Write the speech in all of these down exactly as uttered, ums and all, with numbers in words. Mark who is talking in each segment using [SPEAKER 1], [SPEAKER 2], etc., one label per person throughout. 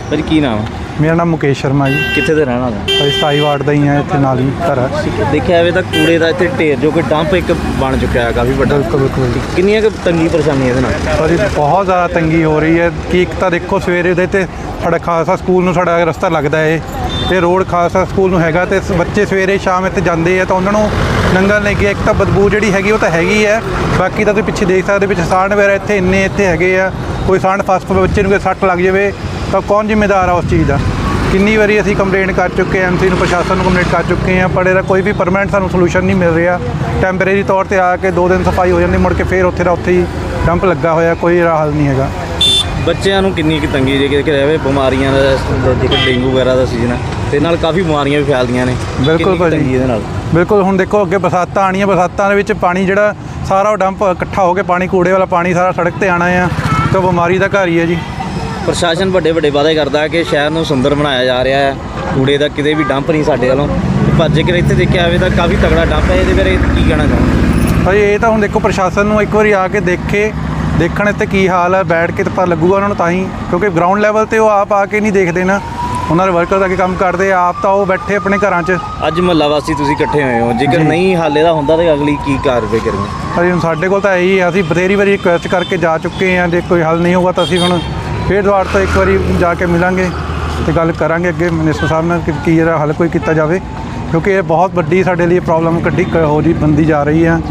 [SPEAKER 1] ਭਾਜੀ ਕੀ ਨਾਮ?
[SPEAKER 2] ਮੇਰਾ ਨਾਮ ਮੁਕੇਸ਼ ਸ਼ਰਮਾ ਜੀ।
[SPEAKER 1] ਕਿੱਥੇ ਦੇ ਰਹਿਣ ਵਾਲੇ?
[SPEAKER 2] ਅਸੀਂ ਸਤਾਈ ਵਾਰਡ ਦਾ ਹੀ ਹਾਂ, ਇੱਥੇ ਨਾਲ ਹੀ ਘਰ ਹੈ।
[SPEAKER 1] ਦੇਖਿਆ ਜਾਵੇ ਤਾਂ ਕੂੜੇ ਦਾ ਇੱਥੇ ਢੇਰ ਜੋ ਕਿ ਡੰਪ ਇੱਕ ਬਣ ਚੁੱਕਿਆ ਹੈ ਕਾਫੀ ਵੱਡਾ।
[SPEAKER 2] ਬਿਲਕੁਲ ਬਿਲਕੁਲ
[SPEAKER 1] ਕਿੰਨੀਆਂ ਕੁ ਤੰਗੀ ਪਰੇਸ਼ਾਨੀ ਇਹਦੇ ਨਾਲ?
[SPEAKER 2] ਭਾਜੀ ਬਹੁਤ ਜ਼ਿਆਦਾ ਤੰਗੀ ਹੋ ਰਹੀ ਹੈ ਕਿ ਇੱਕ ਤਾਂ ਦੇਖੋ ਸਵੇਰੇ ਦੇ ਤੇ ਸਾਡਾ ਖਾਲਸਾ ਸਕੂਲ ਨੂੰ ਸਾਡਾ ਰਸਤਾ ਲੱਗਦਾ ਹੈ, ਇਹ ਰੋਡ ਖਾਲਸਾ ਸਕੂਲ ਨੂੰ ਹੈਗਾ, ਅਤੇ ਬੱਚੇ ਸਵੇਰੇ ਸ਼ਾਮ ਇੱਥੇ ਜਾਂਦੇ ਆ ਤਾਂ ਉਹਨਾਂ ਨੂੰ ਨੰਗਲ ਲੈ ਕੇ ਇੱਕ ਤਾਂ ਬਦਬੂ ਜਿਹੜੀ ਹੈਗੀ ਉਹ ਤਾਂ ਹੈਗੀ ਹੈ, ਬਾਕੀ ਤਾਂ ਤੁਸੀਂ ਪਿੱਛੇ ਦੇਖ ਸਕਦੇ ਵਿੱਚ ਸਾੜ ਵਗੈਰਾ ਇੱਥੇ ਇੰਨੇ ਇੱਥੇ ਹੈਗੇ ਆ, ਕੋਈ ਸਾੜ ਫਸ ਪਵੇ ਬੱਚੇ ਨੂੰ ਕੋਈ ਸੱਟ ਲੱਗ ਜਾਵੇ ਤਾਂ ਕੌਣ ਜ਼ਿੰਮੇਦਾਰ ਆ ਉਸ ਚੀਜ਼ ਦਾ। ਕਿੰਨੀ ਵਾਰੀ ਅਸੀਂ ਕੰਪਲੇਂਟ ਕਰ ਚੁੱਕੇ ਐਮ ਸੀ ਨੂੰ, ਪ੍ਰਸ਼ਾਸਨ ਨੂੰ ਕੰਪਲੇਂਟ ਕਰ ਚੁੱਕੇ ਹਾਂ, ਪਰ ਇਹਦਾ ਕੋਈ ਵੀ ਪਰਮਾਨੈਂਟ ਸਾਨੂੰ ਸੋਲੂਸ਼ਨ ਨਹੀਂ ਮਿਲ ਰਿਹਾ। ਟੈਂਪਰੇਰੀ ਤੌਰ 'ਤੇ ਆ ਕੇ ਦੋ ਦਿਨ ਸਫਾਈ ਹੋ ਜਾਂਦੀ, ਮੁੜ ਕੇ ਫਿਰ ਉੱਥੇ ਦਾ ਉੱਥੇ ਹੀ ਡੰਪ ਲੱਗਾ ਹੋਇਆ, ਕੋਈ ਹੱਲ ਨਹੀਂ ਹੈਗਾ।
[SPEAKER 1] ਬੱਚਿਆਂ ਨੂੰ ਕਿੰਨੀ ਕੁ ਤੰਗੀ ਜੇ ਕਿ ਰਹੇ ਬਿਮਾਰੀਆਂ ਦਾ ਜੇਕਰ ਡੇਂਗੂ ਵਗੈਰਾ ਦਾ ਸੀਜ਼ਨ ਹੈ ਤੇ ਨਾਲ ਕਾਫੀ ਬਿਮਾਰੀਆਂ ਵੀ ਫੈਲਦੀਆਂ ਨੇ।
[SPEAKER 2] ਬਿਲਕੁਲ ਭਾਜੀ
[SPEAKER 1] ਇਹਦੇ ਨਾਲ
[SPEAKER 2] ਬਿਲਕੁਲ। ਹੁਣ ਦੇਖੋ ਅੱਗੇ ਬਰਸਾਤਾਂ ਆਉਣੀਆਂ, ਬਰਸਾਤਾਂ ਦੇ ਵਿੱਚ ਪਾਣੀ ਜਿਹੜਾ ਸਾਰਾ ਉਹ ਡੰਪ ਇਕੱਠਾ ਹੋ ਕੇ ਪਾਣੀ ਕੂੜੇ ਵਾਲਾ ਪਾਣੀ ਸਾਰਾ ਸੜਕ 'ਤੇ ਆਉਣਾ ਆ, ਤਾਂ ਬਿਮਾਰੀ ਦਾ ਘਰ ਹੀ ਹੈ ਜੀ।
[SPEAKER 1] ਪ੍ਰਸ਼ਾਸਨ ਵੱਡੇ ਵੱਡੇ ਵਾਅਦੇ ਕਰਦਾ ਹੈ ਕਿ ਸ਼ਹਿਰ ਨੂੰ ਸੁੰਦਰ ਬਣਾਇਆ ਜਾ ਰਿਹਾ ਹੈ, ਕੂੜੇ ਦਾ ਕਿਤੇ ਵੀ ਡੰਪ ਨਹੀਂ ਸਾਡੇ ਵੱਲੋਂ, ਪਰ ਜੇਕਰ ਇੱਥੇ ਦੇਖਿਆ ਜਾਵੇ ਤਾਂ ਕਾਫੀ ਤਗੜਾ ਡੰਪ ਹੈ। ਇਹਦੇ ਬਾਰੇ ਕੀ ਕਹਿਣਾ ਚਾਹੁੰਦੇ?
[SPEAKER 2] ਭਾਜੀ ਇਹ ਤਾਂ ਹੁਣ ਦੇਖੋ ਪ੍ਰਸ਼ਾਸਨ ਨੂੰ ਇੱਕ ਵਾਰੀ ਆ ਕੇ ਦੇਖੇ ਦੇਖਣ ਇੱਥੇ ਕੀ ਹਾਲ ਹੈ, ਬੈਠ ਕੇ ਤਾਂ ਪਤਾ ਲੱਗੂਗਾ ਉਹਨਾਂ ਨੂੰ ਤਾਂ ਹੀ, ਕਿਉਂਕਿ ਗਰਾਊਂਡ ਲੈਵਲ 'ਤੇ ਉਹ ਆਪ ਆ ਕੇ ਨਹੀਂ ਦੇਖਦੇ ਨਾ, ਉਹਨਾਂ ਦੇ ਵਰਕਰ ਦਾ ਕੀ ਕੰਮ ਕਰਦੇ ਆਪ ਤਾਂ ਉਹ ਬੈਠੇ ਆਪਣੇ ਘਰਾਂ 'ਚ।
[SPEAKER 1] ਅੱਜ ਮਹੱਲਾ ਵਾਸੀ ਤੁਸੀਂ ਇਕੱਠੇ ਹੋਏ ਹੋ, ਜੇਕਰ ਨਹੀਂ ਹੱਲ ਇਹਦਾ ਹੁੰਦਾ ਤਾਂ ਅਗਲੀ ਕੀ ਕਾਰਵਾਈ ਕਰਨੀ?
[SPEAKER 2] ਭਾਜੀ ਹੁਣ ਸਾਡੇ ਕੋਲ ਤਾਂ ਇਹੀ ਹੈ, ਅਸੀਂ ਬਥੇਰੀ ਵਾਰੀ ਰਿਕੁਐਸਟ ਕਰਕੇ ਜਾ ਚੁੱਕੇ ਹਾਂ, ਜੇ ਕੋਈ ਹੱਲ ਨਹੀਂ ਹੋਊਗਾ ਤਾਂ ਅਸੀਂ ਹੁਣ ਫਿਰ ਦੁਬਾਰਾ ਤੋਂ ਇੱਕ ਵਾਰੀ ਜਾ ਕੇ ਮਿਲਾਂਗੇ ਅਤੇ ਗੱਲ ਕਰਾਂਗੇ ਅੱਗੇ ਮਿਨਿਸਟਰ ਸਾਹਿਬ ਨਾਲ ਕਿ ਕੀ ਇਹਦਾ ਹੱਲ ਕੋਈ ਕੀਤਾ ਜਾਵੇ, ਕਿਉਂਕਿ ਇਹ ਬਹੁਤ ਵੱਡੀ ਸਾਡੇ ਲਈ ਪ੍ਰੋਬਲਮ ਕੱਢੀ ਹੋ ਜੀ ਬੰਦੀ ਜਾ ਰਹੀ ਆ,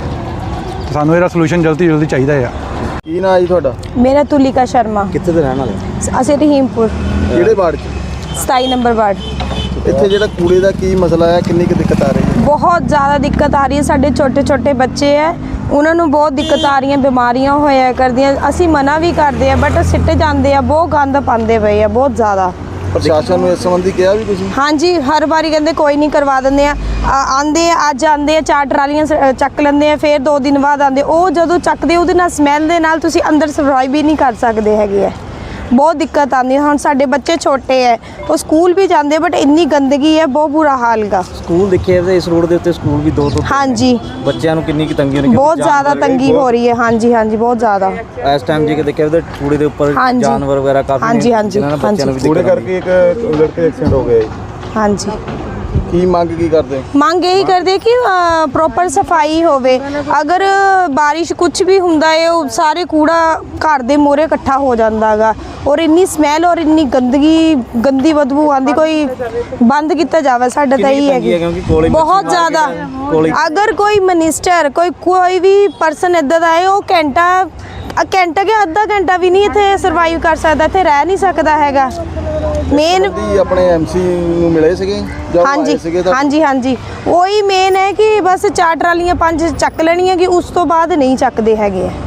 [SPEAKER 2] ਸਾਨੂੰ ਇਹਦਾ ਸੋਲੂਸ਼ਨ ਜਲਦੀ ਜਲਦੀ ਚਾਹੀਦਾ ਆ।
[SPEAKER 3] ਕੀ ਨਾਂ ਹੈ ਜੀ ਤੁਹਾਡਾ?
[SPEAKER 4] ਮੇਰਾ ਤੁਲਿਕਾ ਸ਼ਰਮਾ।
[SPEAKER 1] ਕਿੱਥੇ ਦੇ ਰਹਿਣ ਵਾਲੇ?
[SPEAKER 4] ਅਸੀਂ ਰਹੀਮਪੁਰ
[SPEAKER 3] ਕਿਹੜੇ ਵਾਰਡ 'ਚ?
[SPEAKER 4] ਸਤਾਈ ਨੰਬਰ ਵਾਰਡ।
[SPEAKER 3] ਇੱਥੇ ਜਿਹੜਾ ਕੂੜੇ ਦਾ ਕੀ ਮਸਲਾ ਹੈ, ਕਿੰਨੀ ਕੁ ਦਿੱਕਤ ਆ ਰਹੀ ਹੈ?
[SPEAKER 4] ਬਹੁਤ ਜ਼ਿਆਦਾ ਦਿੱਕਤ ਆ ਰਹੀ ਹੈ, ਸਾਡੇ ਛੋਟੇ ਛੋਟੇ ਬੱਚੇ ਹੈ ਉਹਨਾਂ ਨੂੰ ਬਹੁਤ ਦਿੱਕਤ ਆ ਰਹੀਆਂ, ਬਿਮਾਰੀਆਂ ਹੋਇਆ ਕਰਦੀਆਂ। ਅਸੀਂ ਮਨਾ ਵੀ ਕਰਦੇ ਆ ਬਟ ਸਿੱਟੇ ਜਾਂਦੇ ਆ, ਬਹੁਤ ਗੰਦ ਪਾਉਂਦੇ ਪਏ ਆ ਬਹੁਤ ਜ਼ਿਆਦਾ।
[SPEAKER 3] ਪ੍ਰਸ਼ਾਸਨ ਨੂੰ ਇਸ ਸੰਬੰਧੀ ਕਿਹਾ ਵੀ ਤੁਸੀਂ?
[SPEAKER 4] ਹਾਂਜੀ ਹਰ ਵਾਰੀ ਕਹਿੰਦੇ ਕੋਈ ਨਹੀਂ ਕਰਵਾ ਦਿੰਦੇ ਆ, ਆਂਦੇ ਅੱਜ ਆਂਦੇ ਆ ਚਾਰ ਟਰਾਲੀਆਂ ਸ- ਚੱਕ ਲੈਂਦੇ ਆ, ਫਿਰ ਦੋ ਦਿਨ ਬਾਅਦ ਆਂਦੇ, ਉਹ ਜਦੋਂ ਚੱਕਦੇ ਉਹਦੇ ਨਾਲ ਸਮੈਲ ਦੇ ਨਾਲ ਤੁਸੀਂ ਅੰਦਰ ਸਰਵਾਈਵ ਵੀ ਨਹੀਂ ਕਰ ਸਕਦੇ ਹੈਗੇ ਆ, ਬਹੁਤ ਦਿੱਕਤ ਆਉਂਦੀ ਹੈ। ਹੁਣ ਸਾਡੇ ਬੱਚੇ ਛੋਟੇ ਹੈ, ਉਹ ਸਕੂਲ ਵੀ ਜਾਂਦੇ ਬਟ ਇੰਨੀ ਗੰਦਗੀ ਹੈ, ਬਹੁਤ ਬੁਰਾ ਹਾਲ ਗਾ।
[SPEAKER 1] ਸਕੂਲ ਦੇਖਿਆ ਜਾਵੇ ਇਸ ਰੋਡ ਦੇ ਉੱਤੇ ਸਕੂਲ ਵੀ ਦੋ ਦੋ
[SPEAKER 4] ਹਾਂਜੀ
[SPEAKER 1] ਬੱਚਿਆਂ ਨੂੰ ਕਿੰਨੀ ਕੁ ਤੰਗੀ ਹੋਣੀ?
[SPEAKER 4] ਬਹੁਤ ਜ਼ਿਆਦਾ ਤੰਗੀ ਹੋ ਰਹੀ ਹੈ। ਹਾਂਜੀ ਹਾਂਜੀ ਬਹੁਤ ਜ਼ਿਆਦਾ।
[SPEAKER 1] ਇਸ ਟਾਈਮ ਜੇ ਦੇਖਿਆ ਜਾਵੇ ਤਾਂ ਕੂੜੇ ਦੇ ਉੱਪਰ
[SPEAKER 4] ਹਾਂਜੀ।
[SPEAKER 1] ਜਾਨਵਰ ਵਗੈਰਾ ਕਾਫੀ
[SPEAKER 4] ਹਾਂਜੀ, ਹਾਂਜੀ,
[SPEAKER 1] ਜਿਨ੍ਹਾਂ ਨਾਲ ਬੱਚਿਆਂ ਨੂੰ ਵੀ
[SPEAKER 3] ਕੂੜੇ
[SPEAKER 1] ਦਿੱਕਤ ਆਉਂਦੀ ਹੈ।
[SPEAKER 3] ਕਰਕੇ ਇੱਕ ਲੜਕੇ ਐਕਸੀਡੈਂਟ ਹੋ ਗਿਆ ਜੀ,
[SPEAKER 4] ਹਾਂਜੀ
[SPEAKER 3] ਕੀ ਮੰਗ ਕੀ ਕਰਦੇ?
[SPEAKER 4] ਮੰਗ ਇਹੀ ਕਰਦੇ ਕਿ ਪ੍ਰੋਪਰ ਸਫਾਈ ਹੋਵੇ, ਅਗਰ ਬਾਰਿਸ਼ ਕੁਝ ਵੀ ਹੁੰਦਾ ਹੈ ਉਹ ਸਾਰੇ ਕੂੜਾ ਘਰ ਦੇ ਮੂਹਰੇ ਇਕੱਠਾ ਹੋ ਜਾਂਦਾ ਗਾ, ਔਰ ਇੰਨੀ ਸਮੈਲ ਔਰ ਇੰਨੀ ਗੰਦਗੀ ਗੰਦੀ ਬਦਬੂ ਆਉਂਦੀ, ਕੋਈ ਬੰਦ ਕੀਤਾ ਜਾਵੇ। ਸਾਡਾ ਤਾਂ ਇਹੀ ਹੈ ਬਹੁਤ ਜ਼ਿਆਦਾ। ਅਗਰ ਕੋਈ ਮਿਨਿਸਟਰ ਕੋਈ ਕੋਈ ਵੀ ਪਰਸਨ ਇੱਦਾਂ ਦਾ ਹੈ, ਉਹ ਘੰਟਾ ਘੰਟਾ ਕਿ ਅੱਧਾ ਘੰਟਾ ਵੀ ਨਹੀਂ ਇੱਥੇ ਸਰਵਾਈਵ ਕਰ ਸਕਦਾ, ਇੱਥੇ ਰਹਿ ਨਹੀਂ ਸਕਦਾ ਹੈਗਾ। ਮੇਨ
[SPEAKER 3] ਆਪਣੇ ਐਮਸੀ ਨੂੰ ਮਿਲੇ ਸੀਗੇ?
[SPEAKER 4] ਹਾਂਜੀ ਹਾਂਜੀ ਹਾਂਜੀ ਉਹੀ ਮੇਨ ਹੈ ਕਿ ਬਸ ਚਾਰ ਟਰਾਲੀਆਂ ਪੰਜ ਚੱਕ ਲੈਣੀਆਂ, ਕਿ ਉਸ ਤੋਂ ਬਾਅਦ ਨਹੀਂ ਚੱਕਦੇ ਹੈਗੇ।